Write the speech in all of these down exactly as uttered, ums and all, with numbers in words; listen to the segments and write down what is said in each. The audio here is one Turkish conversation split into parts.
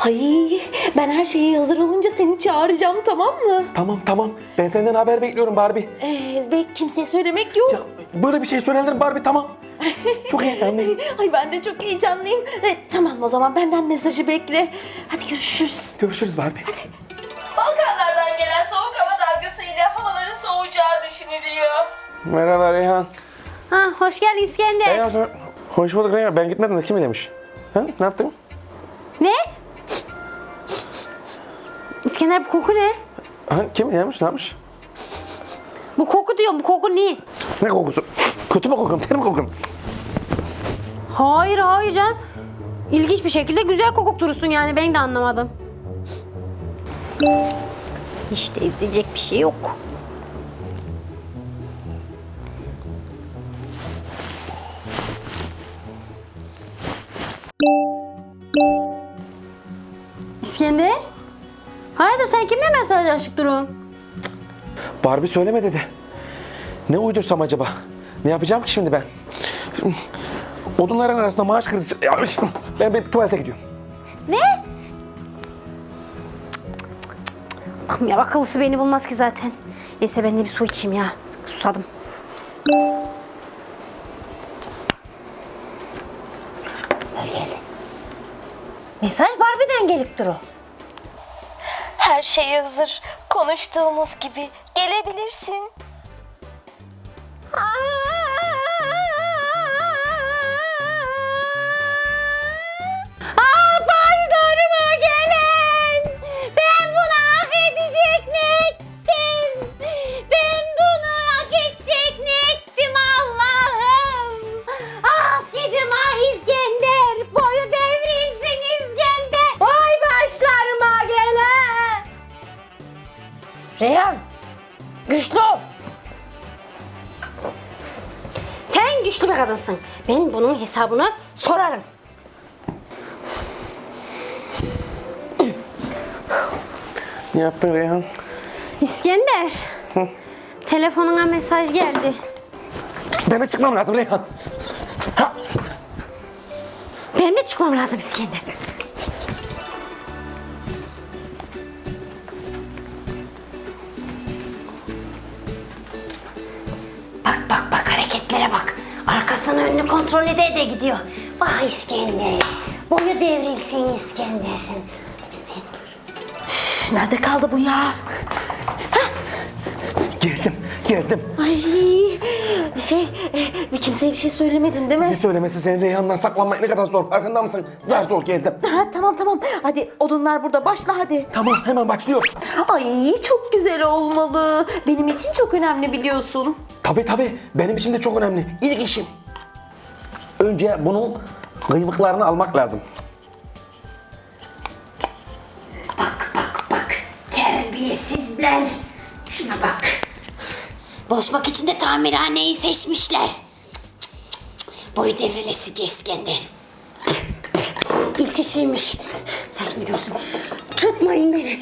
Ay, ben her şeyi hazır olunca seni çağıracağım, tamam mı? Tamam tamam. Ben senden haber bekliyorum Barbie. Ee, ve kimseye söylemek yok. Ya, böyle bir şey söylenir Barbie, tamam. Çok heyecanlıyım. Ay, ben de çok heyecanlıyım. Ee, tamam, o zaman benden mesajı bekle. Hadi görüşürüz. Görüşürüz Barbie. Balkanlardan gelen soğuk hava dalgasıyla havaların soğuyacağı düşünülüyor. Merhaba Reyhan. Ha, hoş geldin İskender. Reyhan, hoş bulduk Reyhan. Ben gitmedim de kim demiş? Ha? Ne yaptın? Ne? İskender, bu koku ne? Ha, kim yemiş, ne yapmış? Bu koku diyorum, bu koku ne? Ne kokusu? Kötü mü kokum, ter mi kokum? Hayır hayır canım. İlginç bir şekilde güzel kokuk durursun yani, ben de anlamadım. İşte izleyecek bir şey yok. İskender? Hayırdır, sen kimle mesajlaşıp durun? Barbie söyleme dedi. Ne uydursam acaba? Ne yapacağım ki şimdi ben? Odunların arasında maaş krizi... Ben bir tuvalete gidiyorum. Ne? Allah'ım ya, akıllısı beni bulmaz ki zaten. Neyse ben de bir su içeyim ya. Susadım. Mesaj geldi. Mesaj Barbie'den gelip duru. Her şey hazır. Konuştuğumuz gibi gelebilirsin. Aa, pardonuma gelen. Ben bunu hak edecek ne ettim? Ben bunu hak edecek ne ettim Allah'ım? Ah gidim ah İskender. Boyu devrilsin İskender. Vay başlarıma gelen. Reyhan, güçlü ol. Sen güçlü bir kadınsın. Ben bunun hesabını sorarım. Ne yaptın Reyhan? İskender. Telefonuna mesaj geldi. Benim çıkmam lazım Reyhan. Ha. Ben de çıkmam lazım İskender. Bak bak bak, hareketlere bak. Arkasını önünü kontrol ede ede gidiyor. Ah İskender. Boyu devrilsin İskender sen. sen. Üf, nerede kaldı bu ya? Geldim, geldim. Ay, şey, bir kimseye bir şey söylemedin değil mi? Ne söylemesi, senin Reyhan'dan saklanmak ne kadar zor, farkında mısın? Zar zor geldim. Ha, tamam tamam. Hadi odunlar burada, başla hadi. Tamam, hemen başlıyor. Ay, çok güzel olmalı. Benim için çok önemli, biliyorsun. Tabii tabii, benim için de çok önemli. İlk işim. Önce bunun kıymıklarını almak lazım. Bak bak bak, terbiyesizler. Şuna bak. Buluşmak için de tamirhaneyi seçmişler. Cık, cık, cık, cık. Boyu devrilesici İskender. İlk işiymiş. Sen şimdi görsün. Tutmayın beni.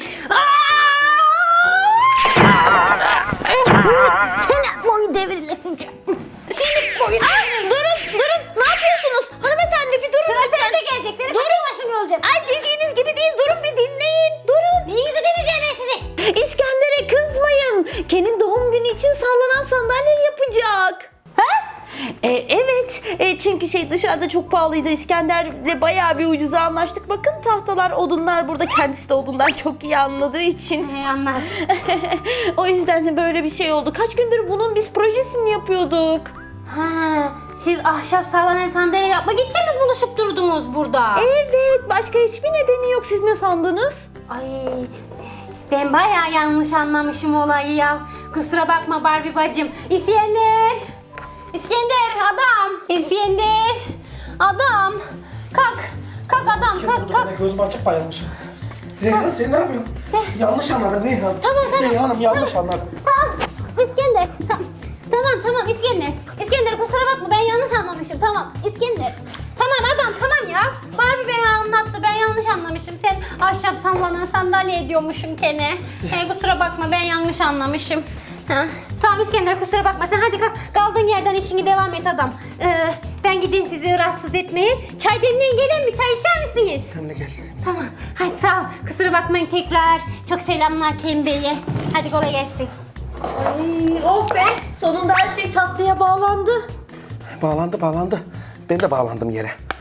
Sen boyu devrilesici. Senin boyu devrilesici. Durun durun. Ne yapıyorsunuz? Hanımefendi bir durun. Sıra sen de gelecek. Senin saçın başın yolacak. Ay, bildiğiniz gibi değil. Durun bir dinleyin. Durun. Neyinizi deneyeceğim ben sizi? İskender'e kızmayın. Ken'in doğum günü için sallanan sandalye yapacak. Ha? E, evet. E, çünkü şey dışarıda çok pahalıydı. İskender'le bayağı bir ucuza anlaştık. Bakın tahtalar, odunlar burada. Kendisi de odundan çok iyi anladığı için. He, anlar. O yüzden de böyle bir şey oldu. Kaç gündür bunun biz projesini yapıyorduk. Ha, siz ahşap sallanan sandalye yapmak için mi buluşup durdunuz burada? Evet. Başka hiçbir nedeni yok. Siz ne sandınız? Ay, ben bayağı yanlış anlamışım olayı ya. Kusura bakma Barbie bacım. İskender! İskender adam! İskender! Adam! Kalk! Kalk adam, kalk kalk. Ben gözüm açık bayılmışım. Reyhan, sen ne yapıyorsun? Yanlış anladım Reyhan. Tamam, tamam. Reyhan'ım yanlış anladım. Tamam, İskender. Tamam, tamam, tamam İskender. İskender kusura bakma, ben yanlış anlamışım. Tamam, İskender. Tamam adam, tamam ya. Barbie beni anlattı, ben yanlış anlamışım. Sen ahşap sallanan sandalye ediyormuşsun Ken'e. Hey, kusura bakma, ben yanlış anlamışım. Ha, tamam İskender kusura bakma sen hadi kalk kaldığın yerden işini devam et adam. Ee, ben gideyim sizi rahatsız etmeye. Çay demleyin gelin mi? Çay içer misiniz? Sen de gel. Tamam hadi sağ ol. Kusura bakmayın tekrar. Çok selamlar Kerim Bey'e. Hadi kolay gelsin. Ay, oh be sonunda her şey tatlıya bağlandı. Bağlandı bağlandı. Ben de bağlandım yere.